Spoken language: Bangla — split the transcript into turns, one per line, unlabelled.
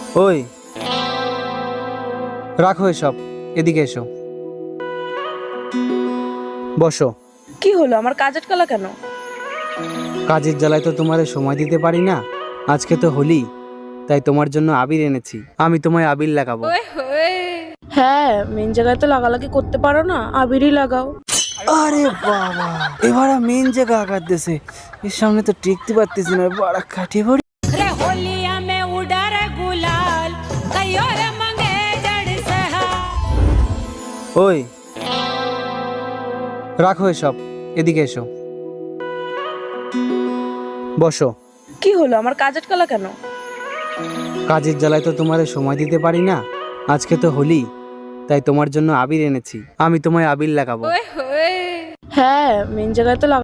ওই, রাখো এসব, এদিকে এসো, বসো।
কি হলো, আমার কাজ আটকালা কেন?
কাজের জ্বালায় তো তোমারে সময় দিতে পারি না। আজকে তো হোলি, তাই তোমার জন্য আবির এনেছি। আমি তোমায় আবির লাগাবো।
হ্যাঁ, মেন জায়গায় তো লাগালাগি করতে পারো না, আবিরই লাগাও।
আরে বাবা, এবার মেন জায়গা আঘাত দিছে। এর সামনে তো টিকতে পারতেছি না, বড় কাঠি ভরি।
रे होलिया में उड़ा रे गुलाल कयो रे मंगे जड़ सहा।
ওই, রাখো এসব, এদিকে এসো, বসো।
কি হলো, আমার কাজ আটকালা কেন?
কাজের জ্বালায় তো তোমারে সময় দিতে পারি না। আজকে তো হোলি, তাই তোমার জন্য আবির এনেছি। আমি তোমায় আবির লাগাবো।
হ্যাঁ, মেন জায়গায় তো